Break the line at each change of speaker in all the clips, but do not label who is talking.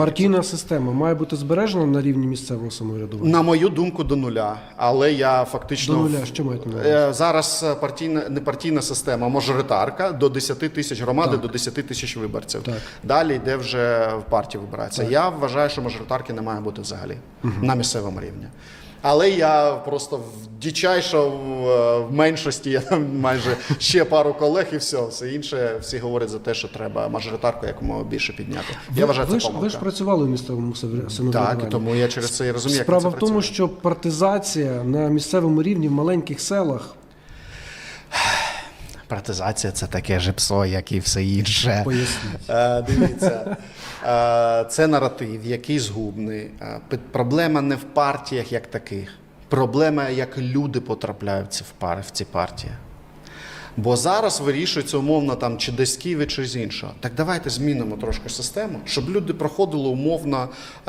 Партійна система має бути збережена на рівні місцевого самоврядування?
На мою думку, до нуля. Але я фактично...
До нуля, що маєте на увазі?
Зараз не партійна система, а мажоритарка до 10 тисяч громади, до 10 тисяч виборців.
Так.
Далі йде вже в партії вибирається. Я вважаю, що мажоритарки не має бути взагалі на місцевому рівні. Але я просто дичайше в меншості, я там майже ще пару колег і все інше, всі говорять за те, що треба мажоритарку якомога більше підняти. Я вважаю, це помилка.
Ви ж працювали в місцевому самоврядуванні.
Так, і тому я через це і розумію, як це
Справа
працює.
в тому, що партизація на місцевому рівні в маленьких селах...
Партизація – це таке же псо, як і все інше.
Поясніть.
Дивіться, це наратив, який згубний. Проблема не в партіях як таких. Проблема, як люди потрапляють в ці партії. Бо зараз вирішується умовно там чи десь в Києві, чи з іншого. Так давайте змінимо трошки систему, щоб люди проходили умовно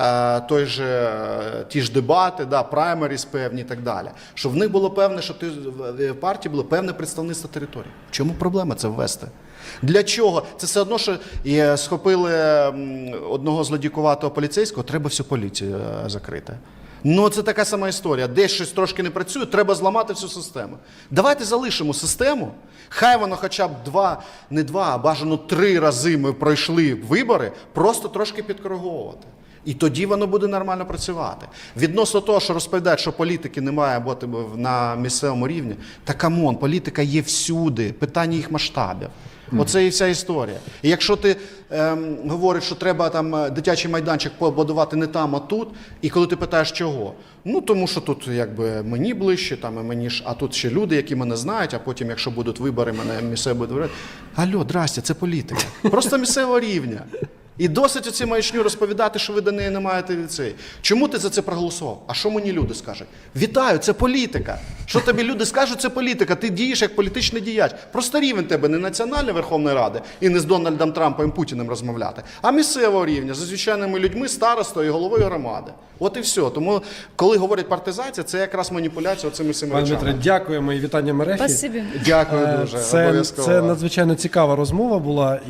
ті ж дебати, праймеріс певні і так далі. Щоб в них було певне, що в партії було певне представництво території. В чому проблема це ввести? Для чого? Це все одно, що схопили одного злодійкуватого поліцейського, треба всю поліцію закрити. Ну, це така сама історія. Десь щось трошки не працює, треба зламати всю систему. Давайте залишимо систему, хай воно хоча б а бажано 3 рази ми пройшли вибори, просто трошки підкориговувати. І тоді воно буде нормально працювати. Відносно того, що розповідають, що політики не має бути на місцевому рівні, та камон, політика є всюди, питання їх масштабів. Оце і вся історія. І якщо ти говориш, що треба там дитячий майданчик побудувати не там, а тут, і коли ти питаєш, чого? Ну, тому що тут якби мені ближче, а тут ще люди, які мене знають, а потім, якщо будуть вибори, мене місцево будуть вибирати. Алло, здрасте, це політика. Просто місцевого рівня. І досить оці маячню розповідати, що ви до неї не маєте ліцей. Чому ти за це проголосував? А що мені люди скажуть? Вітаю, це політика. Що тобі люди скажуть, це політика. Ти дієш як політичний діяч. Просто рівень тебе не Національної Верховної Ради і не з Дональдом Трампом і Путіним розмовляти, а місцевого рівня, за звичайними людьми, старостою і головою громади. От і все. Тому, коли говорять партизація, це якраз маніпуляція оцими всіма речами.
Пане Дмитре, дякуємо і вітання Мерехі.
Спасибі.
Дякую дуже. Обов'язково.
Це надзвичайно цікава розмова була.